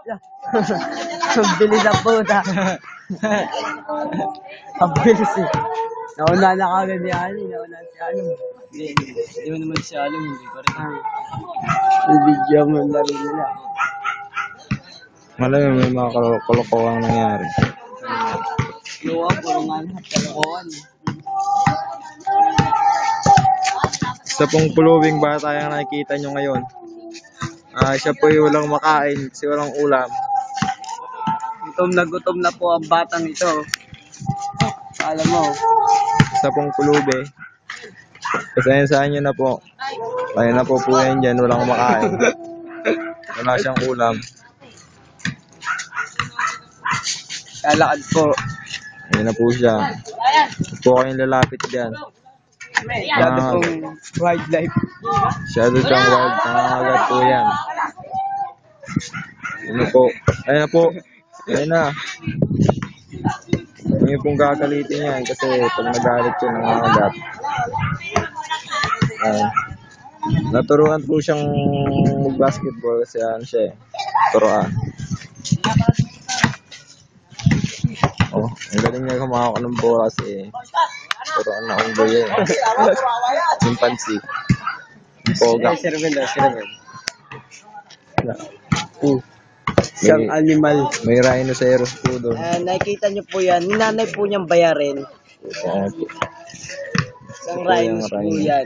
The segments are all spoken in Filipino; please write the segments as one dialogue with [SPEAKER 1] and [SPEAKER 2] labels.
[SPEAKER 1] Ang bilis ang puta. Ang bilis eh. Nauna na kagad ni Ali. Nauna si Ali.
[SPEAKER 2] Hindi mo naman siya alam, hindi pa rin.
[SPEAKER 1] Video mo ang laro nila.
[SPEAKER 3] Malamang may mga kalokohan nangyari.
[SPEAKER 1] Luwa, puro nga lahat kalokohan.
[SPEAKER 3] Sa pong puluwing bata yung nakikita nyo ngayon. Siya po yung walang makain kasi walang ulam.
[SPEAKER 1] Gutom na po ang batang ito. Alam mo.
[SPEAKER 3] Sa pong pulubi. Pasensyahan nyo na po. Kaya na po yan dyan, walang makain. Wala siyang ulam.
[SPEAKER 1] Lalakad po.
[SPEAKER 3] Ayun na po siya. Huwag po kayong lalapit dyan.
[SPEAKER 1] Masyado pong wildlife.
[SPEAKER 3] Masyado siyang wild. Nangangagat po yan. Ayun po. Ayun na po. Ayun na. Hindi pong gagalitin yan kasi pag nagalit siya nangangagat. Ayun. Naturuan po siyang mag-basketball kasi ano siya eh. Turuan. Oh, ang galing niya kumakaw ng bola kasi turuan na unggoy yun. Chimpanzee. Poga.
[SPEAKER 1] Sirvel.
[SPEAKER 3] May-
[SPEAKER 1] Isang animal.
[SPEAKER 3] May rhinoceros po doon.
[SPEAKER 1] Nakikita niyo po yan. Ninanay po niyang bayarin.
[SPEAKER 3] Ayan po.
[SPEAKER 1] Isang
[SPEAKER 3] Ito po yung
[SPEAKER 1] rhinos po
[SPEAKER 3] rhino.
[SPEAKER 1] yan.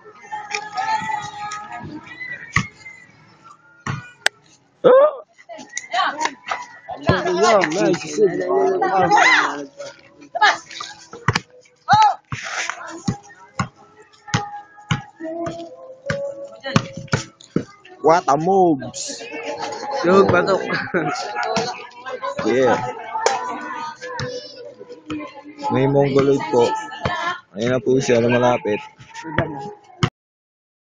[SPEAKER 3] What a moves!
[SPEAKER 1] Lug, batok.
[SPEAKER 3] Yeah. May mongoloid po. Ayun na po siya na malapit.